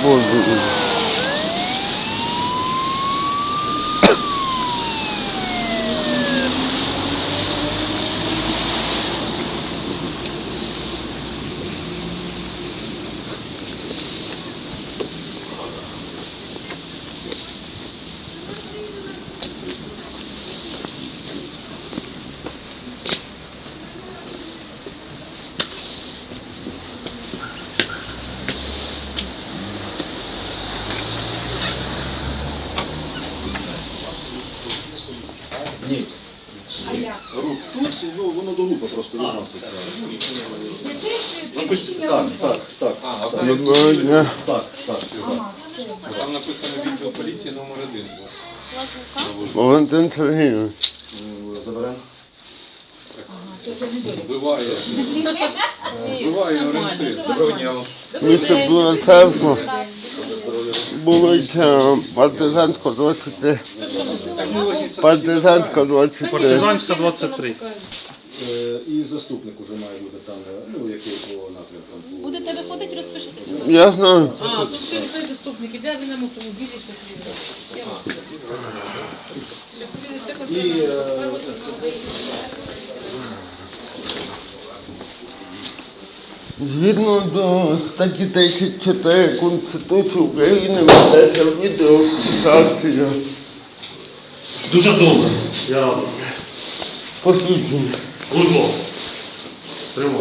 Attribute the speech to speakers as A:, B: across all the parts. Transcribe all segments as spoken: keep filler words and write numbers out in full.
A: воду.
B: Ні. Рух тут, ну воно до лупа просто відноситься. Так, так, так.
A: Доброго дня.
B: Так, так.
C: Там написано відділ поліції номер один.
A: Валентин Сергійович.
B: Заберемо.
C: Вбиває. Вбиває орієнтир. Доброго дня вам.
A: Місто Білоцерква. Вулиця Партизанська, двадцять три. Партизанська, двадцять три.
D: Партизанська, двадцять три.
B: Е, І заступник уже має бути там, ну, який по напрямкам. по-
E: Будете виходити, розпишитися.
A: Я знаю.
D: А, тут той заступник іде, він на автомобілі, що приїде. Я вам скажу.
B: І е,
A: Згідно до статті тридцять чотири Конституції України ведеться відеофіксація.
D: Дуже добре. Я радий.
A: Посвідчення.
D: Будь ласка. Тримай.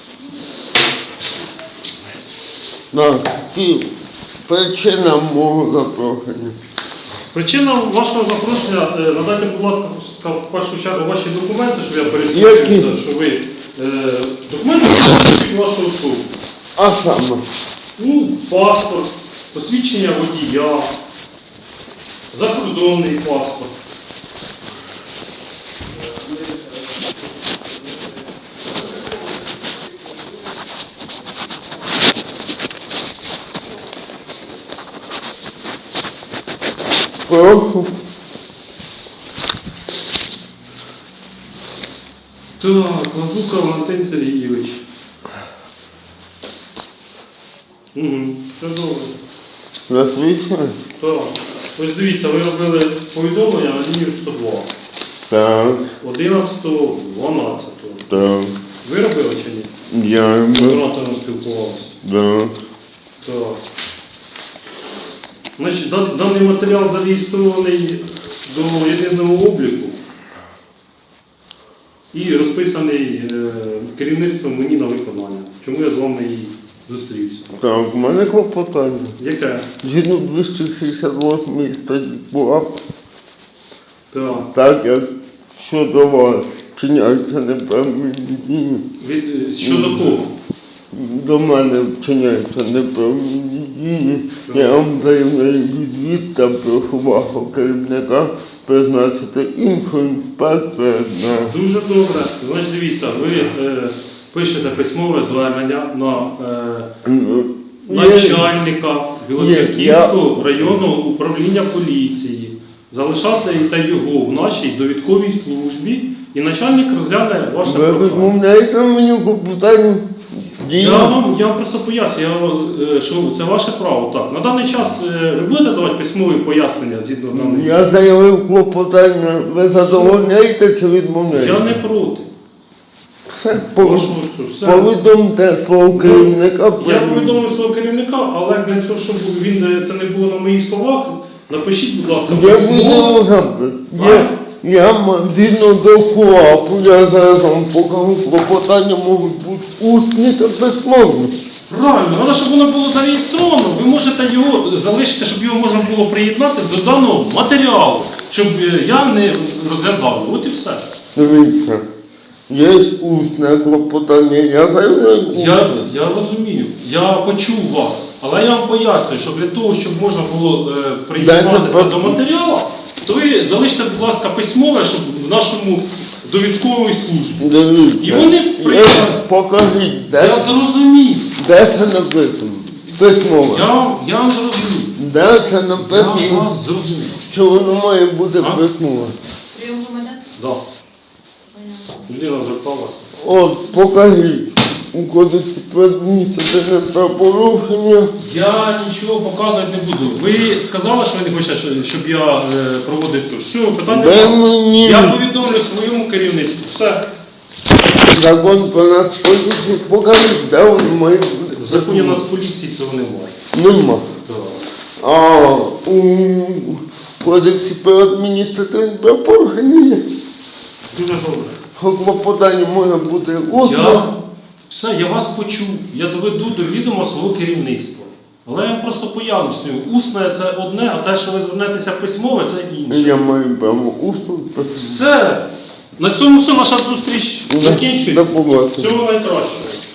A: Так, і причина мого запрошення.
D: Причина вашого запрошення, е, надайте, будь ласка, в першу чергу ваші документи, щоб я
A: Які?
D: пересвідчився, що ви е, документи посвідчують вашу особу.
A: А саме,
D: Ну, паспорт, посвідчення водія, закордонний паспорт.
A: прошу.
D: Так, Лазука Валентин Сергійович. Угу, все добре.
A: Засвідчення?
D: Так. Ось дивіться, ви робили повідомлення на лінію сто два.
A: Так,
D: одинадцятого дванадцятого.
A: так.
D: Ви робили чи ні?
A: Я
D: З
A: би.
D: оператором спілкувалися.
A: Так.
D: Так. Значить, дан- даний матеріал зареєстрований до єдиного обліку і розписаний е, керівництвом мені на виконання. Чому я з вами і зустрівся?
A: Так, у мене клопотання.
D: Яке?
A: Згідно двісті шістдесят восьмої статті КУАП,
D: Так.
A: так як щодо вас вчиняються неправильні дії,
D: Від, е, щодо кого?
A: до мене вчиняються неправильні дії, я вам заявляю відвід та прошу вашого керівника призначити іншого інспектора на...
D: Дуже добре. Значить, дивіться, ви е, пишете письмове звернення на е,
A: Ну, є-
D: начальника Білоцерківського районного управління поліції, залишати його в нашій довідковій службі, і начальник розгляне ваше
A: Ви
D: прохання.
A: відмовляєте мені по питанню дії?
D: Я вам, я вам просто поясню, я, е, що це ваше право. Так, на даний час е, ви будете давати письмові пояснення згідно даної?
A: Я заявив клопотання, ви задовольняєте чи відмовляєте?
D: Я не проти.
A: Все,
D: Прошу,
A: пов-
D: все.
A: повідомте свого керівника.
D: Я повідомив свого керівника, але для цього, щоб він е, це не було на моїх словах, напишіть, будь ласка,
A: Я
D: письмово.
A: буду запит. Я, я м- згідно до КУАПу, я зараз вам покажу, клопотання можуть бути усні та письмовні.
D: Правильно, але щоб воно було зареєстровано, ви можете його залишити, щоб його можна було приєднати до даного матеріалу, щоб е, я не розглядав. От і все.
A: Дивіться, є усне клопотання, я заявляю.
D: Я, я розумію, я почув вас, але я вам пояснюю, що для того, щоб можна було е, приєднати
A: Дайте
D: це
A: про-
D: до матеріалу, то ви залиште, будь ласка, письмове, щоб в нашому довідковій службі.
A: Дивіться,
D: І вони
A: я-
D: приїхали.
A: покажіть,
D: Я
A: де,
D: зрозумів.
A: де це написано? Письмово.
D: Я, я вам зрозумів.
A: Де це
D: Я
A: написано,
D: вас зрозумів.
A: що воно має бути
D: А?
A: письмово?
E: Прийом громадян?
D: Да. Людина зверталася.
A: От, покажіть. у кодексі про адміністративне правопорушення.
D: Я нічого показувати не буду. Ви сказали, що ви не хочете, що- щоб я е, проводив цю. Все, питання.
A: Ви
D: нема.
A: мені
D: Я повідомлю своєму керівництву. Все.
A: закон про нацполіцію покаже, де він має бути.
D: В законі Нацполіції цього немає.
A: Нема.
D: Так.
A: А у кодексі про адміністративне правопорушення є.
D: Дуже добре.
A: Клопотання може бути
D: Я,
A: усно.
D: все, я вас почув. Я доведу до відома свого керівництва. Але я вам просто пояснюю. Усне це одне, а те, що ви звернетеся письмове, це інше.
A: Я маю право усно.
D: Все. На цьому все, наша зустріч закінчується.
A: До побачення.
D: Всього найкращого.